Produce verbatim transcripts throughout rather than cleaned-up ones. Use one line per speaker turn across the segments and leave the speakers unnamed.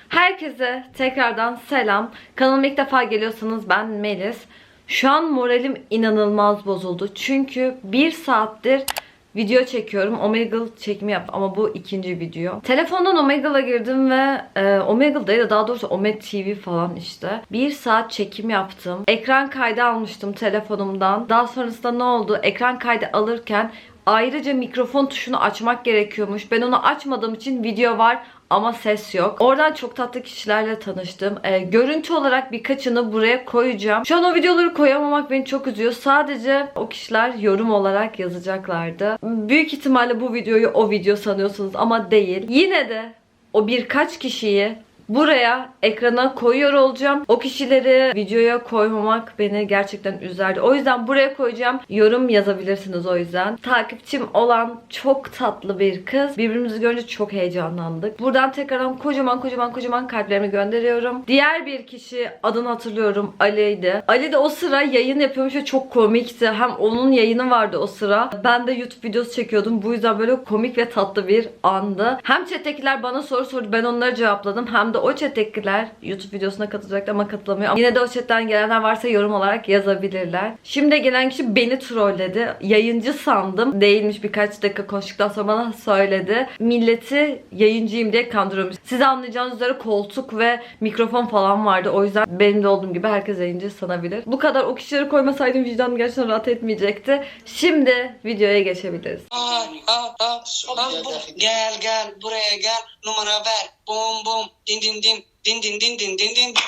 Herkese tekrardan selam. Kanalıma ilk defa geliyorsanız ben Melis. Şu an moralim inanılmaz bozuldu. Çünkü bir saattir video çekiyorum. Omegle çekimi yaptım ama bu ikinci video. Telefondan Omegle'a girdim ve e, Omegle değil de daha doğrusu Omed T V falan işte. Bir saat çekim yaptım. Ekran kaydı almıştım telefonumdan. Daha sonrasında ne oldu? Ekran kaydı alırken ayrıca mikrofon tuşunu açmak gerekiyormuş. Ben onu açmadığım için video var ama ses yok. Oradan çok tatlı kişilerle tanıştım. Ee, görüntü olarak birkaçını buraya koyacağım. Şu an o videoları koyamamak beni çok üzüyor. Sadece o kişiler yorum olarak yazacaklardı. Büyük ihtimalle bu videoyu o video sanıyorsunuz ama değil. Yine de o birkaç kişiyi buraya ekrana koyuyor olacağım. O kişileri videoya koymamak beni gerçekten üzerdi. O yüzden buraya koyacağım. Yorum yazabilirsiniz o yüzden. Takipçim olan çok tatlı bir kız. Birbirimizi görünce çok heyecanlandık. Buradan tekrardan kocaman kocaman kocaman kalplerimi gönderiyorum. Diğer bir kişi, adını hatırlıyorum, Ali'ydi. Ali de o sıra yayın yapıyormuş ve çok komikti. Hem onun yayını vardı o sıra. Ben de YouTube videosu çekiyordum. Bu yüzden böyle komik ve tatlı bir andı. Hem chat'tekiler bana soru sordu. Ben onları cevapladım. Hem de o chat'tekiler YouTube videosuna katılacaktı ama katılamıyor. Yine de o chat'ten gelenler varsa yorum olarak yazabilirler. Şimdi gelen kişi beni trolledi. Yayıncı sandım. Değilmiş, birkaç dakika konuştuktan sonra bana söyledi. Milleti yayıncıyım diye kandırıyormuş. Siz anlayacağınız üzere koltuk ve mikrofon falan vardı. O yüzden benim de olduğum gibi herkes yayıncı sanabilir. Bu kadar o kişileri koymasaydım vicdanım gerçekten rahat etmeyecekti. Şimdi videoya geçebiliriz.
Aa, aa, aa, aa, bu, gel gel buraya gel, numara ver, bum bum, din din din, din din din din din din,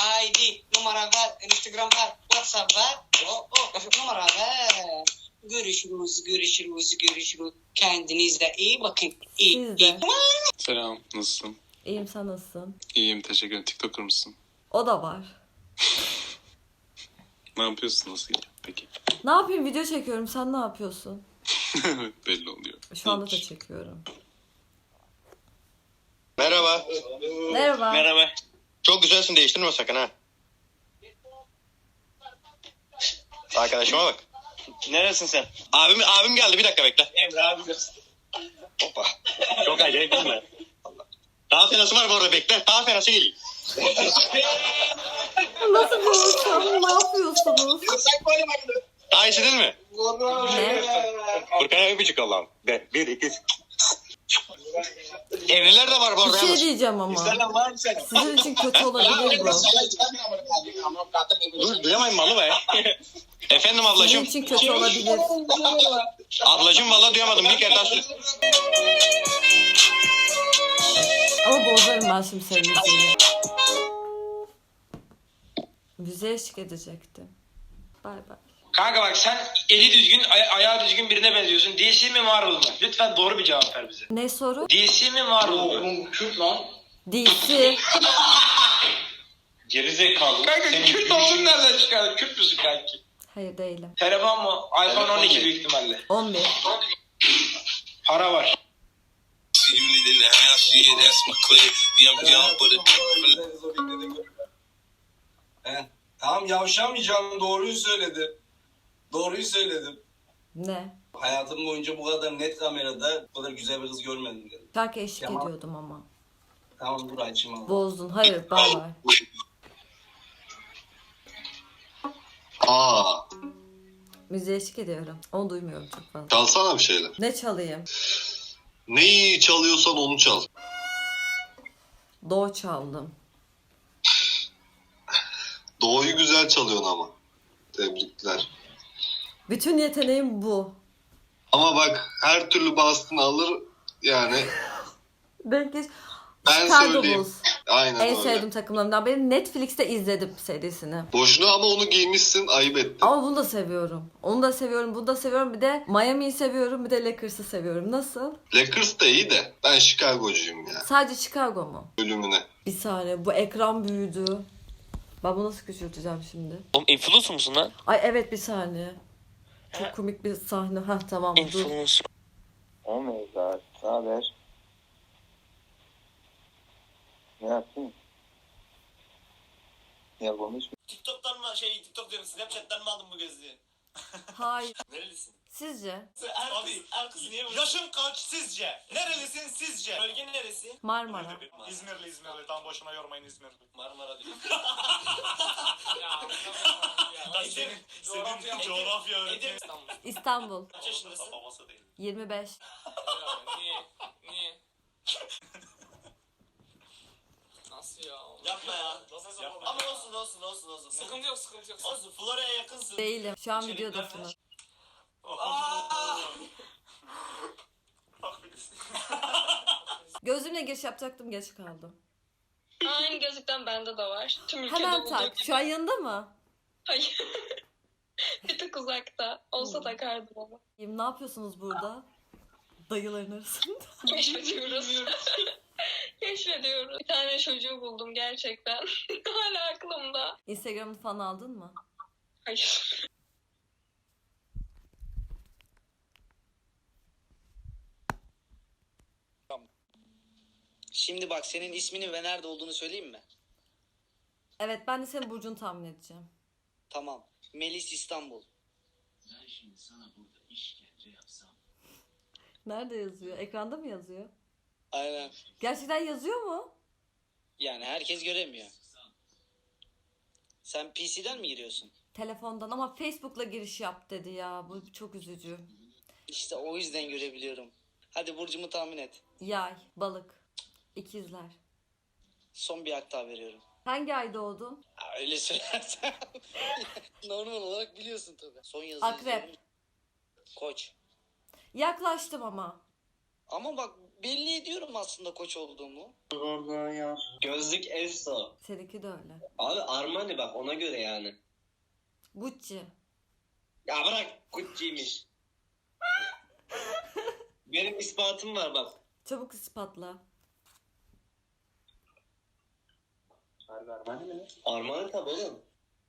I D numara ver, Instagram ver, WhatsApp ver, oh, oh, numara ver. Görüşürüz, görüşürüz, görüşürüz. Kendinize iyi bakın. İyi,
Siz de.
iyi.
Selam, nasılsın?
İyiyim, sen nasılsın?
İyiyim, teşekkür ederim. TikToker mısın?
O da var.
Ne yapıyorsun, nasıl gidiyor peki?
Ne yapayım, video çekiyorum, sen ne yapıyorsun?
Belli oluyor.
Şu anda da çekiyorum.
Merhaba.
Merhaba.
Merhaba. Çok güzelsin, değiştirme sakın ha. Arkadaşıma bak.
Neresin sen?
Abim abim geldi, bir dakika bekle.
Emre abi.
Hoppa.
Çok acayip değil mi?
Daha fenası var bu arada, bekle. Daha fenası geliyor.
Nasıl bir ortam? Ne yapıyorsunuz?
Daha iyisi değil mi?
Ne?
Furkan'a öpücük Allah'ım. De, bir, iki. Evliler de var bu
Bir
arada.
şey
yalnız.
diyeceğim ama.
Selam var mı sen?
Sizin için kötü olabilir bu.
Dur, duyamayın malı be. Efendim
Sizin
ablacığım.
için kötü olabilir.
Ablacığım valla duyamadım, bir kere daha söyle.
Ama bozarım ben şimdi senin müziğini. Müziğe eşlik edecektim. Bay bay.
Kanka bak sen eli düzgün, aya- ayağı düzgün birine benziyorsun. D C mi Marvel mı? Lütfen doğru bir cevap ver bize.
Ne soru?
D C mi Marvel mı? Kürt lan.
D C.
Gerizekalı. Kanka Kürt olduğunu nereden çıkardın? Kürt müsün kanki?
Hayır değilim.
Telefon mu? iPhone on iki büyük ihtimalle.
on bir.
Para var.
He. Tamam yavşamayacağım, doğruyu söyledi. Doğruyu söyledim.
Ne?
Hayatım boyunca bu kadar net kamerada bu kadar güzel bir kız görmedim dedim.
Şarkı eşlik
Tamam.
ediyordum ama.
Tamam dur açayım abi.
Bozdun. Hayır, bay bay.
Aa,
Müziğe eşlik ediyorum. Onu duymuyorum çok fazla.
çalsana bir şeyler.
Ne çalayım?
Neyi çalıyorsan onu çal.
Do çaldım.
Doğuyu güzel çalıyorsun ama. Tebrikler.
Bütün yeteneğim bu.
Ama bak her türlü bastın alır yani.
Denk geç.
Ben
Chicago
söyleyeyim.
Bulls.
Aynen
En
öyle.
sevdiğim takımlarımdan biri. Netflix'te izledim serisini.
Boşuna ama onu giymişsin, ayıp ettin.
Ama bunu da seviyorum. Onu da seviyorum, bunu da seviyorum. Bir de Miami'yi seviyorum, bir de Lakers'ı seviyorum. Nasıl?
Lakers da iyi de ben Chicago'cuyum ya.
Sadece Chicago mu?
Ölümüne.
Bir saniye, bu ekran büyüdü. Ben bunu nasıl küçülteceğim şimdi?
Oğlum influencer musun lan?
Ay evet, bir saniye. Çok komik bir sahne. Hah tamam dur.
Influencer.
O mevzuat, ne haber? Ne yaptın? Ya konuş.
TikTok'tan mı şey TikTok diyorum Snapchat'ten mi aldın bu gözlüğü?
Hayır.
Nerelisin?
Sizce?
Abi kız niye yaşın kaç sizce? Nerelisin sizce? Bölge neresi?
Marmara.
İzmirli İzmirli. Tam boşuna yormayın İzmirli. Marmara değil. senin, senin coğrafya öğretmeni.
İstanbul.
Kaç yaşındasın? Babası değil.
yirmi beş.
Niye? Niye? Nasıl ya?
Yapma ya. Yapma. Ama olsun olsun olsun olsun.
Sıkıntı yok, sıkıntı yok.
Olsun Florya'ya yakınsın.
Değilim. Şu an videodasınız. Gözümle giriş yapacaktım, geç kaldım.
Aynı gözlükten bende de var. Tüm ülkede
Hemen
olduğu
tak.
gibi.
Şu an yanında mı?
Hayır. Bir tık uzakta. Olsa takardım ama.
Ne yapıyorsunuz burada? Dayıların arasında.
Keşfediyoruz. Keşfediyoruz. Bir tane çocuğu buldum gerçekten. Hala aklımda.
Instagram'ını falan aldın mı?
Hayır.
Şimdi bak senin ismini ve nerede olduğunu söyleyeyim mi?
Evet, ben de senin burcunu tahmin edeceğim.
Tamam. Melis İstanbul.
Nerede yazıyor? Ekranda mı yazıyor?
Aynen.
Gerçekten yazıyor mu?
Yani herkes göremiyor. Sen P C'den mi giriyorsun?
Telefondan, ama Facebook'la giriş yap dedi ya. Bu çok üzücü.
İşte o yüzden görebiliyorum. Hadi burcumu tahmin et.
Yay, balık, ikizler.
Son bir hak daha veriyorum.
Hangi ay doğdun?
Ha, öyle söylersen. Normal olarak biliyorsun tabii. Son yazıyı
Akrep.
söyleyeyim. Koç.
Yaklaştım ama.
Ama bak belli ediyorum aslında koç olduğumu.
Gözlük Eso.
Seninki de öyle.
Abi Armani bak ona göre yani.
Gucci.
Ya bırak Gucci'ymiş. Benim ispatım var bak.
Çabuk ispatla.
Armani mi? Armani tabi oğlum.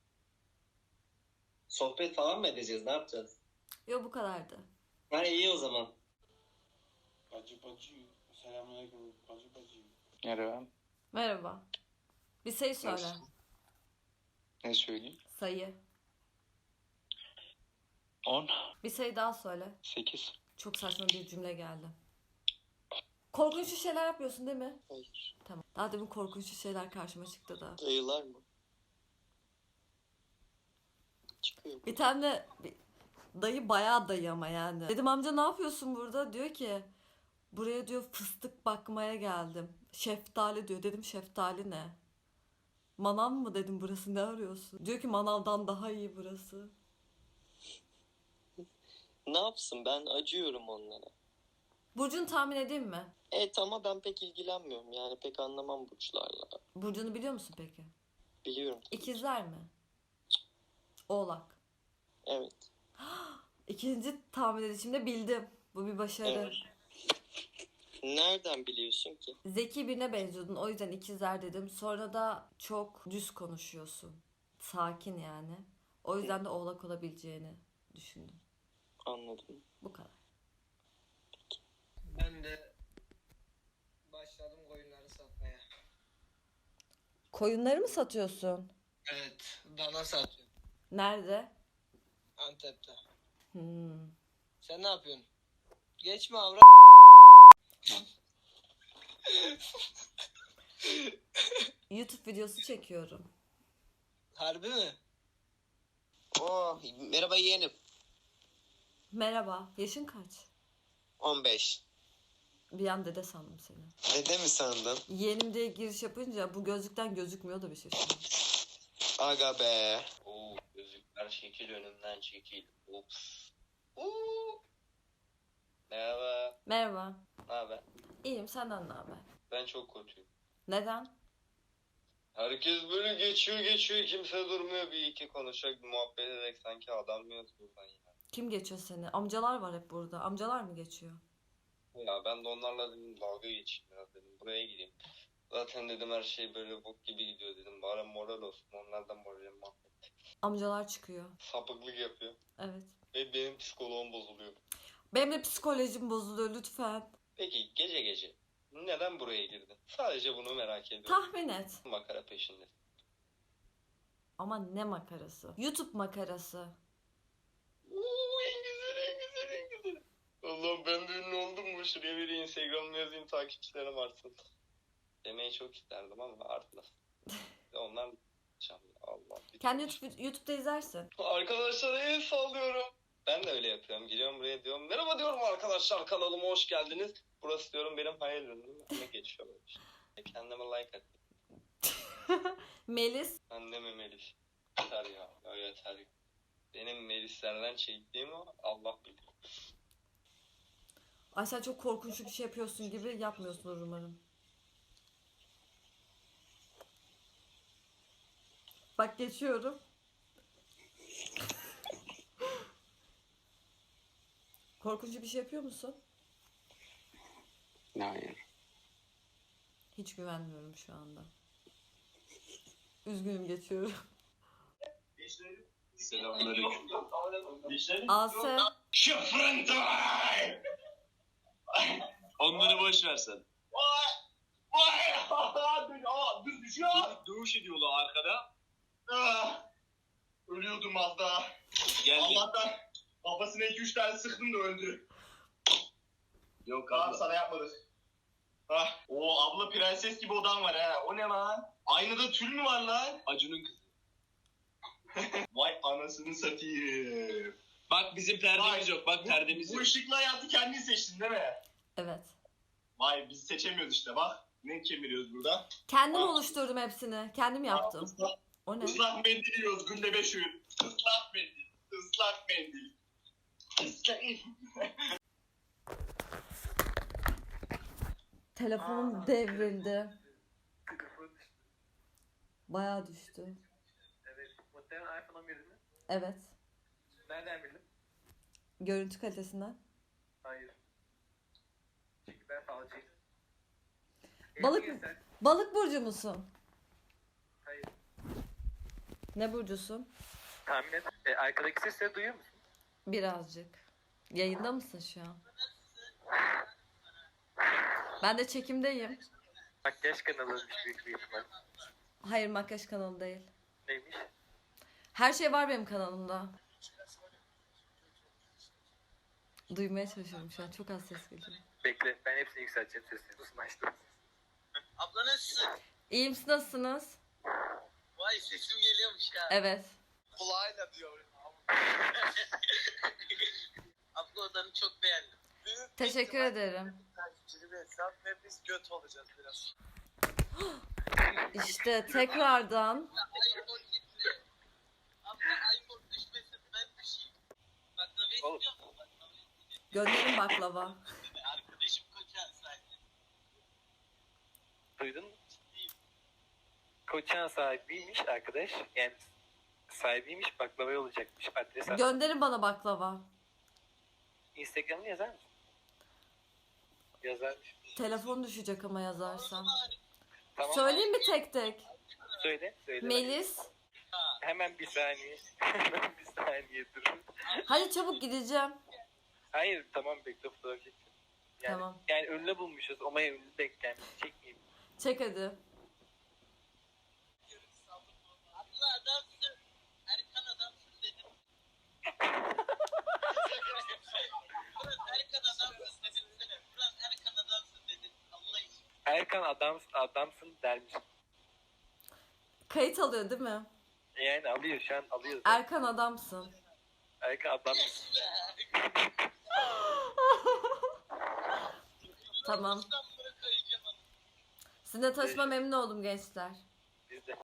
Sohbet falan mı edeceğiz? Ne yapacağız?
Yok, bu kadardı.
Ha iyi o zaman.
Bacı bacı. Selamünaleyküm. Bacı bacı.
Merhaba.
Merhaba. Bir sayı söyle.
Nasıl? Ne söyleyeyim?
Sayı.
on.
Bir sayı daha söyle.
sekiz.
Çok saçma bir cümle geldi. Korkunç şeyler yapıyorsun değil mi?
Hayır.
Tamam. Daha demin korkunç şeyler karşıma çıktı da.
Dayılar mı? Çıkıyor.
Bir tane bir dayı, bayağı dayı ama yani. Dedim amca ne yapıyorsun burada? Diyor ki buraya diyor fıstık bakmaya geldim. Şeftali diyor. Dedim şeftali ne? Manav mı dedim, burası ne arıyorsun? Diyor ki manavdan daha iyi burası.
Ne yapsın, ben acıyorum onlara.
Burcunu tahmin edeyim mi?
Evet ama ben pek ilgilenmiyorum yani pek anlamam burçlarla.
Burcunu biliyor musun peki?
Biliyorum.
İkizler mi? Oğlak.
Evet.
İkinci tahmin edişimde bildim. Bu bir başarı.
Evet. Nereden biliyorsun ki?
Zeki birine benziyordun, o yüzden ikizler dedim. Sonra da çok düz konuşuyorsun. Sakin yani. O yüzden de oğlak olabileceğini düşündüm.
Anladım.
Bu kadar.
Ben de başladım koyunları satmaya.
Koyunları mı satıyorsun?
Evet, dana satıyorum.
Nerede?
Antep'te.
Hmm.
Sen ne yapıyorsun? Geçme avra.
YouTube videosu çekiyorum.
Harbi mi?
Oh, merhaba yeğenim.
Merhaba. Yaşın kaç?
on beş.
Bir an dede sandım seni.
Dede mi sandın?
Yeğenim diye giriş yapınca bu gözlükten gözükmüyor da bir şey şimdi.
Aga be.
Oo, gözlükler şekil önümden çekil. Ups. Oo. Merhaba.
Merhaba.
Ne haber?
İyiyim, senden ne haber?
Ben çok kötüyüm.
Neden?
Herkes böyle geçiyor geçiyor kimse durmuyor bir iki konuşacak muhabbet ederek sanki adam mı yok buradan ya.
Kim geçiyor seni? Amcalar var hep burada. Amcalar mı geçiyor?
Ya ben de onlarla dedim dalga geçeyim biraz dedim buraya gideyim. Zaten dedim her şey böyle bok gibi gidiyor dedim bari moral olsun onlardan moralim mahvet.
Amcalar çıkıyor.
Sapıklık yapıyor
Evet.
ve benim psikoloğum bozuluyor.
Benim de psikolojim bozuluyor lütfen.
Peki gece gece neden buraya girdin? Sadece bunu merak ediyorum.
Tahmin et.
Makara peşinde.
Ama ne makarası? YouTube makarası.
Uuu en güzel en güzel Allah'ım ben de ünlü oldum mu? Şuraya bir Instagram'ı yazayım takipçilerim artsın. Demeyi çok isterdim ama artmaz. Onlar Allah.
Kendi YouTube, YouTube'da izlersin.
Arkadaşlara el sallıyorum. Ben de öyle yapıyorum. Giriyorum buraya diyorum. Merhaba diyorum arkadaşlar, kanalıma hoş geldiniz. Burası diyorum benim hayal ürünüm. Ne geçiyor böyle işte. Kendime like at.
Melis.
Anneme Melis. Yeter ya. Ya yeter. Benim Melislerden çektiğim o Allah bilir.
Ay sen çok korkunç bir şey yapıyorsun gibi yapmıyorsunuz umarım. Bak geçiyorum. Korkunç bir şey yapıyor musun?
Hayır.
Hiç güvenmiyorum şu anda. Üzgünüm geçiyorum.
Selamünaleyküm.
Ase.
Şıfrıntay! Onları boş versen. Vay! Vay! Düz düşüyor. Dövüş ediyorlar arkada. Ah! Ölüyordum az daha. Geldi. Allah'tan kafasına iki üç tane sıktım da öldü. Yok abi sana yapmadık. Ah, o abla prenses gibi odan var ha. O ne lan? Aynada tül mü var lan? Acun'un kızı. Vay anasını satayım. Bak bizim perdemiz yok. Bak perdemiz yok. Bu ışıklı hayatı kendin seçtin değil mi?
Evet.
Vay biz seçemiyoruz işte bak. Ne kemiriyoruz burada?
Kendim oluşturdum hepsini. Kendim yaptım.
Islak,
O ne?
ıslak mendil yiyoruz günde beş öğün. Islak mendil. Islak mendil. Islak
Telefonum devrildi. Bayağı düştü.
Evet. Muhtemelen iPhone on bir mi?
Evet.
Nereden bildin?
Görüntü kalitesinden.
Hayır. Çünkü ben falcıyım.
Balık
Eski
mı?
sen-
Balık burcu musun?
Hayır.
Ne burcusun?
Tahmin et. E, arkadaki sesleri duyuyor musun?
Birazcık. Yayında mısın şu an? Ben de çekimdeyim.
Makyaj kanalıymış büyük bir ihtimal.
Hayır, makyaj kanalı değil.
Neymiş?
Her şey var benim kanalımda. Duymaya çalışıyorum şu an. Çok az ses geliyor.
Bekle. Ben hepsini yükselteceğim sesini. Nasıl açtım?
Abla nasılsın?
İyiyim, siz nasılsınız?
Vay sesim geliyormuş ya.
Evet.
Kulağıyla diyor. Abla odanı çok beğendim.
Teşekkür ederim.
Sen ve biz göt olacağız biraz.
İşte tekrardan
iPhone gitti. Abla iPhone düşmesin ben düşeyim. Baklava istiyor musun? Baklava istiyor.
gönderin baklava.
Arkadaşım koçan sahibi.
Duydun mu? Koçan sahibiymiş arkadaş. Yani sahibiymiş, baklava olacakmış. Adres at.
Gönderin bana baklava.
Instagram'ını yazar mısın? Yazarmış.
Telefon düşecek ama yazarsam.
Tamam.
Söyleyeyim mi tek tek?
Söyle, söyle.
Melis.
Hemen bir saniye. Hemen bir saniye dur.
Hadi çabuk gideceğim.
Hayır, tamam bekle fotoğraf çekeceğim. Yani,
Tamam.
yani ünlü bulmuşuz. Omaya ünlü denk gelmiş. Çekmeyeyim.
Çek hadi.
Abla adamsın. Erkan adamsın dedim. Ulan Erkan adamsın dedim. Ulan Erkan adamsın dedim. Allah için.
Erkan adam, adamsın dermiş.
Kayıt alıyor değil mi?
Yani alıyor şu an alıyor.
Erkan adamsın.
Erkan adam.
Tamam. Sizinle tanışma memnun oldum gençler.
Biz de.